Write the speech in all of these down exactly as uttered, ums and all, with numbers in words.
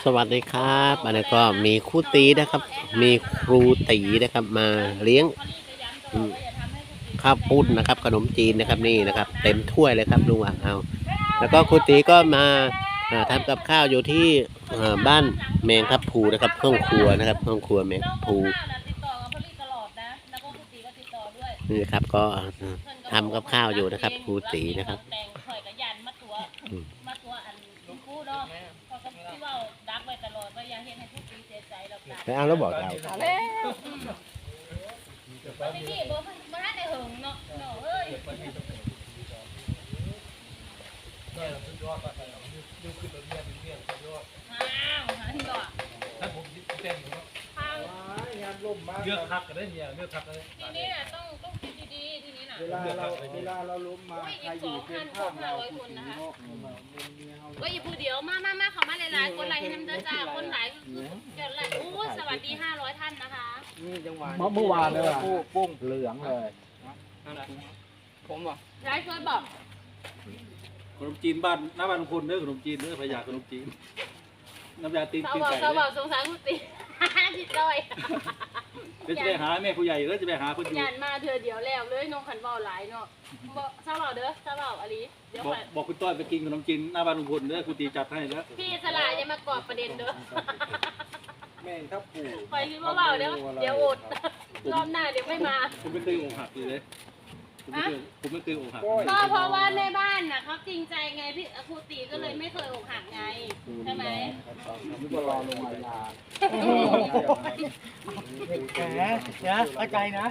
สวัสดีครับอันนี้ก็มีครูตีนะครับ มีครูตีนะครับมาเลี้ยงข้าวปุ้นนะครับขนมจีนนะครับนี่นะครับเต็มถ้วยเลยครับลุงอ่างเอาแล้วก็ครูตีก็มาทำกับข้าวอยู่ที่บ้านแมงทับพลูนะครับห้องครัวนะครับห้องครัวแมงทับพลูนี่ครับก็ทำกับข้าวอยู่นะครับครูตีนะครับไปเอาแล้วบอกเราพี่บอกมาได้หึงเนาะเนาะเอ้ยอ้าวหาที่ก่อนถ้าผมเต้นผมงานล่มมากเลือกพักกันได้เนี่ยเลือกพักเลยทีนี้น่ะต้องต้องคิดดีๆทีนี้น่ะเวลาเราเวลาเราล้มมาใครอยู่เพื่อนข้างเราคนนะคะก็อยู่ผู้เดียวมามามาเขามาหลายๆคนหลายให้น้ำเด้อจ้าคนหลายเดี๋ยวหลายอู้สวัสดีห้าร้อยท่านนะคะนี่จังหวะเมื่อวานเลยปุ้งเหลืองเลยผมบอกร้ายช่วยบอกขนมจีนบ้านหน้าบ้านคนเด้อขนมจีนเด้อพยาขนมจีนน้ำยาตีนตีนไก่เขาบอกสงสารคุณตีจิตด้อยเดี๋ยวจะไปหาแม่ผู้ใหญ่แล้วจะไปหาคนอยู่ยันมาเธอเดี๋ยวแล้วเลยน้องขันเบาหลายเนาะบอกเศร้าเบาเด้อเศร้าเบาอลีเดี๋ยวบอกคุณต้อยไปกินขนมจีนหน้าบ้านลุงพลเด้อคุณตีจัดให้แล้วพี่สลายจะมากอดประเด็นเด้อแม่ทับปู่คอยคิดว่าเบาเดี๋ยวเดี๋ยวอดรอบหน้าเดี๋ยวไม่มาผมไม่เคยอกหักเลยผมไม่เคยผมไม่เคยอกหักก็เพราะว่าในบ้านน่ะเขาจริงใจไงพี่ครูตีก็เลยไม่เคยอกหักไงใช่ไหมนี่ก็รอลงมาลาแหมนะเข้าใจนะ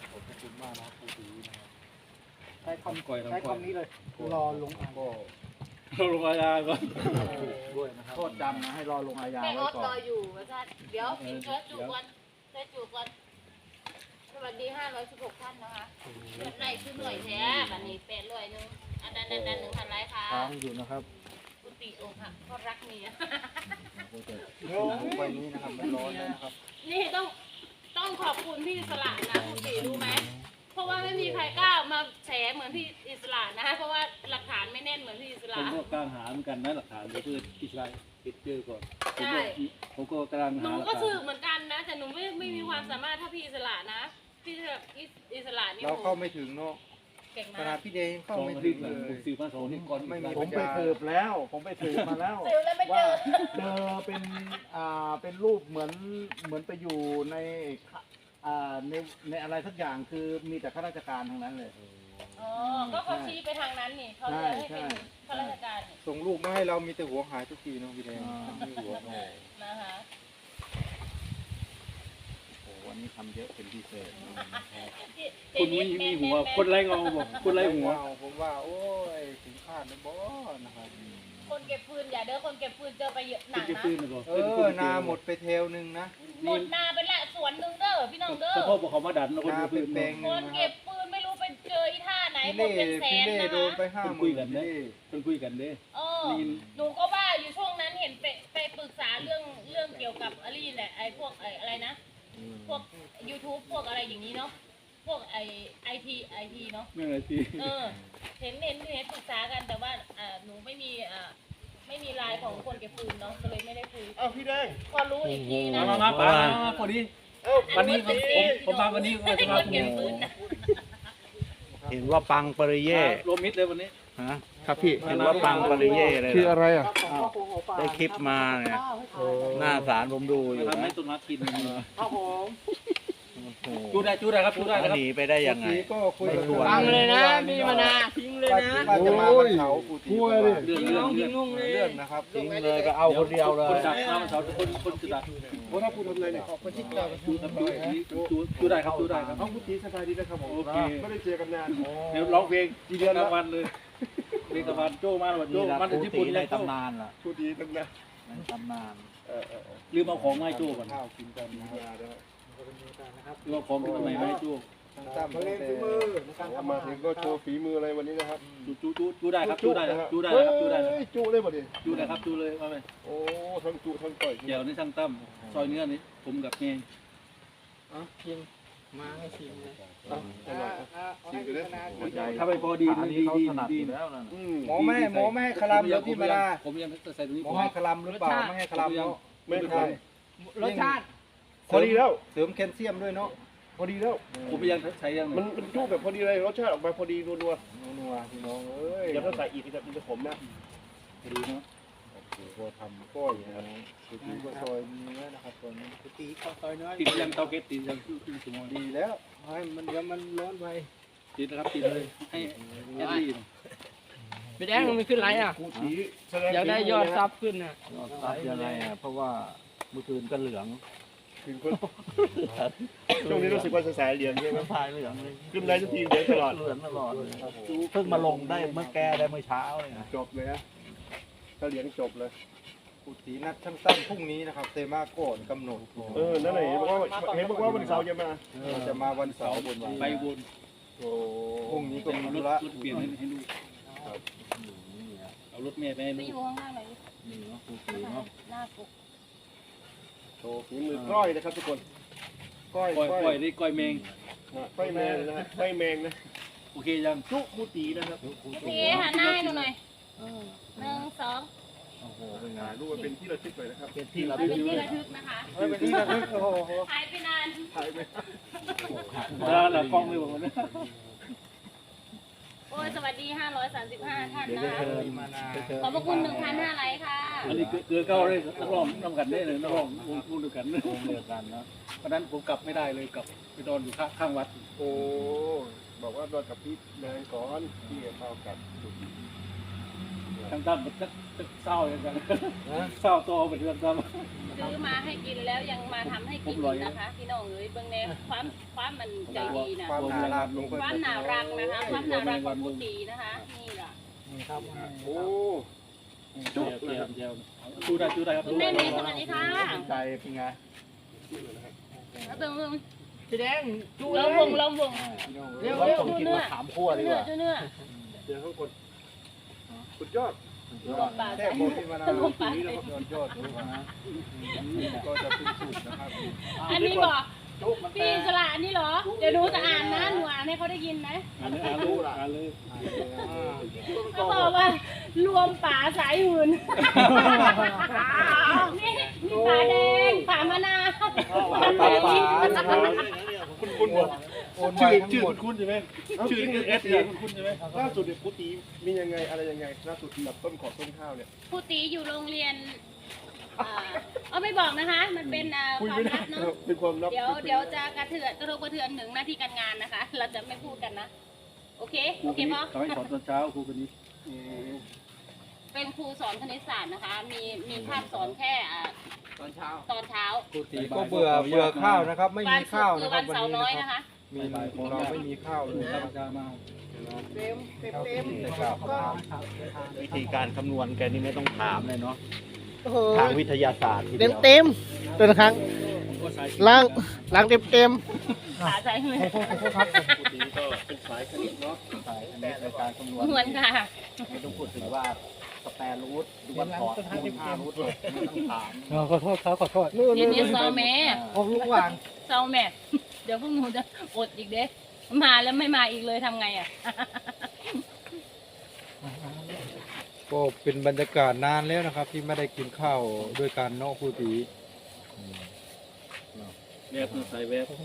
ใช้คำก่อยใช้คำนี้เลยรอลงอาญารอลงอาญาก่อนด้วยนะครับโทษจำนะให้รอลงอาญาไว้ก่อนรออยู่ว่าท่านเดี๋ยวกินเชื้อจุกก่อนเชื้อจุกก่อนสวัสดีห้าร้อยสิบหกท่านนะคะเดือนไหนคือหน่วยแท้บัดนี้แปดร้อยหนึ่งอันนั้นอันนั้นหนึ่งพันไรค่ะค้างอยู่นะครับกุฏิองค์ค่ะก็รักเมียไปนี้นะครับไม่ร้อนนะครับนี่ต้องต้องขอบคุณพี่อิสระนะกุฏิรู้ไหมเพราะว่าไม่มีใครกล้ามาแฉเหมือนพี่อิสระนะเพราะว่าหลักฐานไม่แน่นเหมือนพี่อิสระผมก็กำลังหาเหมือนกันนะหลักฐานเดี๋ยวเพื่ออิสระปิดเจอก่อนใช่ผมก็กำลังหาหนูก็สืบเหมือนกันนะแต่หนูไม่ไม่มีความสามารถถ้าพี่อิสระนะพี่แบบอิสระนี่เราเข้าไม่ถึงเนาะขนาดพี่เดย์เข้าไม่ถึงเลยผมสืบมาสองนี่ก่อนไม่มีผมไปสืบแล้วผมไปสืบมาแล้วว่าเจอเป็นอ่าเป็นรูปเหมือนเหมือนไปอยู่ในอ่าในในอะไรสักอย่างคือมีแต่ข้าราชการทั้งนั้นเลยอ๋อก็เขาชี้ไปทางนั้นนี่เขาเลยให้เป็นข้าราชการส่งรูปมาให้เรามีแต่หัวหายทุกทีเนาะพี่เดย์ไม่หัวนะคะวันนี้ทำเยอะเป็นพิเศษคุณมีมีหัวคนไร้เงาบอกคนไร้หัวผมว่าโอ้ยถึงคาดนะบอนะครับคนเก็บฟืนอย่าเด้อคนเก็บฟืนเจอไปเยอะหนักนะเออนาหมดไปเทลนึงนะหมดนาไปละสวนนึงเด้อพี่น้องเด้อพ่อบอกเขามาดันนะคนเก็บฟืนคนเก็บฟืนไม่รู้ไปเจออีท่าไหนหมดเป็นแสนนะโดนไปห้าหมื่นคุยกันเด้คนคุยกันเด้เออหนูก็ว่าอยู่ช่วงนั้นเห็นไปไปปรึกษาเรื่องเรื่องเกี่ยวกับอะไรแหละไอ้พวกไอ้อะไรนะพวก YouTube พวกอะไรอย่างนี้เนาะพวกไอไอทีไอทีเนาะเรื่องไอทีเออเห็นเห็นเห็นปรึกษากันแต่ว่าอ่าหนูไม่มีอ่าไม่มีไลน์ของคนเก็บฟืนเนาะก็เลยไม่ได้คุยอ้าวพี่แดงพอรู้อีกทีนะมามาป่าพอดีวันนี้ผมผมมาวันนี้ก็จะมาคุยเห็นว่าปังปริเย่รวมมิตรเลยวันนี้ฮะครับพี่เห็นว่าปังปริเย่เลยคืออะไรอ่ะได้คลิปมาเนี่ยหน้าศาลผมดูอยู่ทำให้ต้นมากินครับผมจูได้จูได้ครับจูได้ครับหนีไปได้ยังไงก็คุยกับฟังเลยนะมีมานาทิ้งเลยนะโอ้ยพูดเลยเรื่องเรื่องเรื่องเรื่องนะครับทิ้งเลยไปเอาคนเดียวเลยคนดักน้ำเสาคนคนจุดดักโอ้ถ้าพูดทำเลยเนี่ยคนที่เราจูจูจูได้ครับจูได้ครับเขาพูดทีสบายดีนะครับผมโอเคไม่ได้เจอกันนานเดี๋ยวร้องเพลงกี่เดือนละวันเลยเพลงตะวันโจ้มาวันโจ้มาถึงญี่ปุ่นในตำนานล่ะพูดดีตั้งนานในตำนานลืมเอาของมาให้โจ้ก่อนข้าวกินกันนะลืมเอาของที่ทำไมไม่ให้โจ้ตั้มมาเล่นฝีมือมาถึงก็โชว์ฝีมืออะไรวันนี้นะครับจูจูจูจูได้ครับจูได้ครับจูได้ครับจูได้จูเลยบ่ดิจูได้ครับจูเลยมาไหมโอ้ทั้งจูทั้งต่อยเดี๋ยวนี่ช่างตั้มซอยเนื้อนี่ผมกับเมย์อ๋อยิงมาให้ชิมนะชิมกันเลยถ้าไปพอดีอันดีนี้เขาดีถนัดดีอยู่แล้วนั่นอืมหมอไม่หมอไม่ให้คลำแล้วพี่มาลาผมยังใส่ตรงนี้หมอให้คลำหรือเปล่าไม่ให้คลำเนาะไม่ไม่ใช่ใช่รสชาติพอดีแล้วเสริมแคลเซียมด้วยเนาะพอดีแล้วผมยังใช้ยังมันมันจุแบบพอดีเลยรสชาติออกมาพอดีนัวนัวพี่น้องเอ้ยๆอย่าเพิ่งใส่อีกจะมันจะขมนะพอดีเนาะโอ้โหทำก้อยนะครับคือตีก็ซอยเนื้อนะครับตัวนี้คือตีข้าวซอยเนื้อติดยังเตาเก็ตติดยังครึ่งชั่วโมงดีแล้วให้มันเดี๋ยวมันร้อนไปติดนะครับติดเลยให้แอดดี้พี่แดงมันขึ้นไรอ่ะกูสีแสดงอยากได้ยอดซับขึ้นอ่ะยอดซับยังไงอ่ะเพราะว่าเมื่อคืนก็เหลืองถึงคนช่วงนี้รู้สึกว่าสายๆเหลียงใช่ไหมพายเหลืองเลยขึ้นได้ทุกทีเหลียงตลอดเหลืองตลอดเลยเพิ่งมาลงได้เมื่อแกได้เมื่อเช้าเลยนะจบเลยนะถ้าเหลียงจบเลยกุฏินัดช่างตั้งพรุ่งนี้นะครับเตมาโกนกำหนดเออนั่นแหละเห็นบอกว่าเห็นบอกว่าวันเสาร์จะมาจะมาวันเสาร์บนวันไปบนโอ้พรุ่งนี้ก็เป็นมีรธุถระรถเปลี่ยนให้ให้ลูกเอารถแม่ไปให้ไปลูอก ยู่ข้างล่างหน่อยนี่เนาะกุฏิเนาะหน้าปุกโชว์ฝีมือก้อยนะครับทุกคนก้อยก้อยก้อยก้อยได้ก้อยเมงก้อยแมงนะฮะก้อยแมงนะโอเคยังจุกูตีนะครับพี่หันหน้าให้หนูหน่อยเออหนึ่งสองโอ้โหเป็นไงถ่ายรูปมาเป็นที่ระลึกเลยนะครับเป็นที่เราระเป็นลึกที่ระทึกนะคะเออเป็นที่ระลึกโอ้โหหายไปนานถ่ายไหมแล้วหลังกล้องเลยบอกว่าโอ้ยสวัสดีห้าร้อยสามสิบห้าท่านเดี๋ยวนะได้คะเชิญมานาขอบพระคุณหนึ่งพันห้าไลค์ค่ะอันนี้เกลือเก้าเลยนักร้องนำกันได้เลยนักร้องวงคู่เดียวกันวงเดียวกันเนาะเพราะนั้นผมกลับไม่ได้เลยกลับไปนอนอยู่ข้างวัดโอ้บอกว่านอนกับพี่แมงก่อนพี่เข้ากับทางด้านมันจะเศร้าอย่างกันเศร้าตัวเป็นเรื่องซ้ซื้อมาให้กินแล้วยังมาทำให้กินอีกนะคะพี่น้องเอ้ยเบื้องแนวความความมันใจดีนะความน่ารักลงไปความน่ารักนะคะความน่ารักของผู้ตีนะคะนี่แหละครับโอ้ำเจียวเจียวเจียวดูได้ดูได้ครับคุณแม่เมย์สวัสดีค่ะใจเป็นไงแล้วเบิ่งเบิ่งพี่แดงดูเลเรายวงเราวงเรียกว่าต้องกินมะขามคั่วดีเนื้กอว่าเนื้อเดี๋ยวข้างบนสุดยอดแค่โบที่มานากุฏินะครับยอดยอดเลยนะก็จะเป็นสูตรนะครับอันนี้บอกพี่สละอันนี้เหรอ เดี๋ยวหนูจะอ่านนะหนูอ่านให้เขาได้ยินนะอ่านเลยอ่านเลยอ่านเลยเขาบอกว่ารวมป่าสายหื่นนี่นี่ป่าแดงป่ามะนาวป่าป่าคุณคุณบอกโอนไปชื่อทั้งชื่อหมดคุณใช่ไหมชื่อเอสเนี่ยคุณใช่ไหมล่าสุดเนี่ยกุฏิมียังไงอะไรยังไงล่าสุดแบบต้นขอต้นข้าวเนี่ยครูตีอยู่โรงเรียนอ่าเอาไม่บอกนะคะ มันเป็นอ่าคุยความไม่ได้ลับเนาะเป็นความลับเดี๋ยวเดี๋ยวจะกระเทือนกระทบกระเทือนถึงหน้าที่การงานนะคะ เราจะไม่พูดกันนะ โอเคครูโอคเคนนี้พ่อเขาให้สอนตอนเช้าครูคนนี้เป็นครูสอนคณิตศาสตร์นะคะ มีมีภาพสอนแค่อ่าตอนเช้าตอนเช้าก็เบื่อเบื่อข้าวนะครับ ไม่วัมีนศุข้าวกร์คือนะครัวับนวันเสาร์นี้น้อยนะนะครับ คะมีของเราไม่มีข้าวเลยข้านะวเช้ามาเต็มเต็มเต็มวิธีการคำนวณแกนี่ไม่ต้องถามเลยเนาะทางวิทยาศาสตร์ทีเต็เดีมยวเต็มตัวละครั้งผมก็ใส่ล้างล้างเต็มเต็มขาใส่เหมือนกุฏิก็เป็นสายคณิตเนาะใช่อันนี้ในการคำนวณเหมือนค่ะไม่ต้องพูดถึงว่าสแปรรูทดูวันถอดคูณห้ารูทเลยไม่ต้องถามขอโทษครับขอโทษเดี๋ยวนี้ซอแม่เอาลูกวางซอแม่ เดี๋ยวพวกหนูจะอดอีกเด้มาแล้วไม่มาอีกเลยทำไงอ่ะก็เป็นบรรยากาศนานแล้วนะครับ ที่ไม่ได้กินข้าวด้วยกันเนาะครูตีแวบใส่แวบ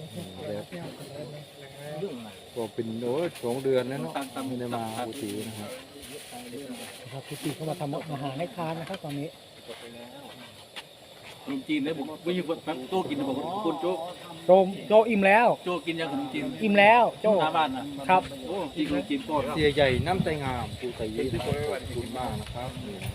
ก็เป็นโอ้ยสองเดือนแล้วเนาะไม่ได้มาครูตีนะครับครับคุณตีเข้ามาทำอาหารให้ทานนะครับตอนนี้ขนมจีนเนี่ยผมไม่มีคนโจ้กินผมคนโจ้โจมโจอิ่มแล้วโจ้กินยังขนมจีนอิ่มแล้วโจหน้าบ้านนะครับ โอ้กินขนมจีนโคตรเสียใหญ่น้ำใจงามครูตีนะครับขอบคุณมากนะครับ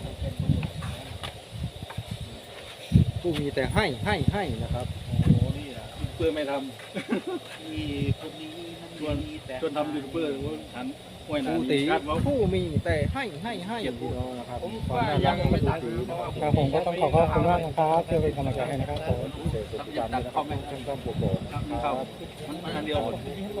ผู้มีแต่ให้ให้ให้นะครับเพื่อไม่ทมีคนนี้ำชวนชวนทำยูทูบเบอร์ว่าหันห้วยคนารูนตีคาดว่าผู้มีแต่ให้ให้ให้พี่น้องนะครับความน่ารักของครูตีนะครับครับผมก็ต้องขอขอบคุณมากนะครับที่เป็นกำลังใจให้นะครับผมเสร็จประจำเลยนะครับช่างต้องปกป้องนะคเข้ารับมันมันอันเดียวหมด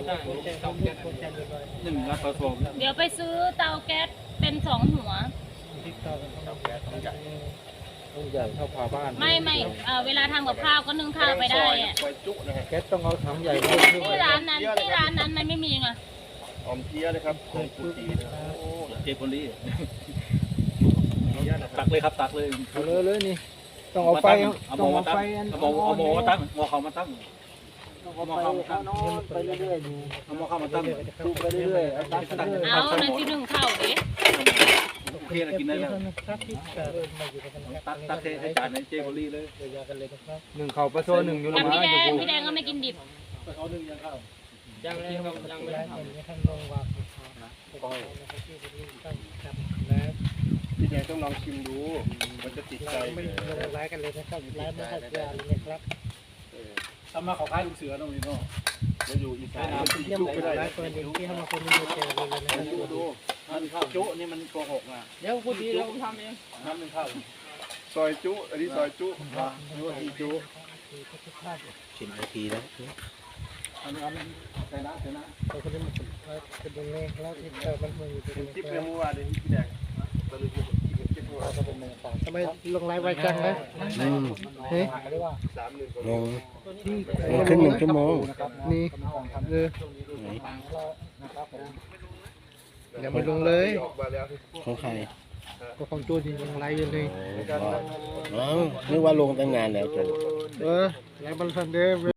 หนึ่งรักกระทรวงเดี๋ยวไปซื้อเตาแก๊สเป็นสองหัวต้องใหญ่เท่าฝาบ้านไม่ไม่เอ่อเวลาทำกับข้าวก็นึ่งข้าวไปได้อะซอยจุนะฮะแก๊สต้องเอาถังใหญ่มาขึ้นที่ร้านนั้นที่ร้านนั้นมันไม่มีไงออมเพียนะครับของกุฏินะครับเจพอลี่ตักเลยครับตักเลยเอาเลยเลยนี่ต้องเอาไฟเอาหต้ม้ออง มาเอาตั้ไฟงอันเอาหม้อเอาหม้อมาตั้งหม้อเขามาตั้งต้องเอาไปเอานอนไปเรื่อยๆดูเอาหม้อเข้ามาตั้งดูไปเรื่อยๆเอาตั้งไปเรื่อยเอานั่นที่นึ่งข้าวเด้โอเคนะกินได้แล้วตักตักให้จานในเจพอลี่เลยหนึ่งเข่าปลาโซหนึ่งอยู่ละกับมาพี่แดอยู่งกูพี่แดงก็ไม่กินดิบเขานึ่งยังข้าวยังเลยครับยังไม่ได้ทำพี่แดงต้องลองชิมดู มันจะติดใจเลยทำมาเขาคล้ายลูกเสือตรงนี้เนาะมาอยู่อีสานมันติดจุไม่ได้นะดูดูมันข้าวจุนี่มันโกหกอ่ะเดี๋ยวกูดีเราทำเองน้ำหนึ่งข้าวซอยจุ อันนี้ซอยจุยูทีจุสิบนาทีแล้วอันนี้อันนี้ใส่น้ำใส่น้ำเห็นคลิปในเมื่อวานเลยพี่แดงตอนนี้เห็นคลิปเมื่อวานทำไมลงไลฟ์ไวจังนะอืมเฮ้ยสามหนึ่งลงขึ้นหนึ่งชั่วโมงนี่เออไหนยังไม่ลงเลยออกมาแล้วของใครก็ของโจดีลงไลฟ์อยู่เลยอ๋อนึกว่าลงตั้งนานแล้วจ้ะเออไลฟ์บันทันเด้อ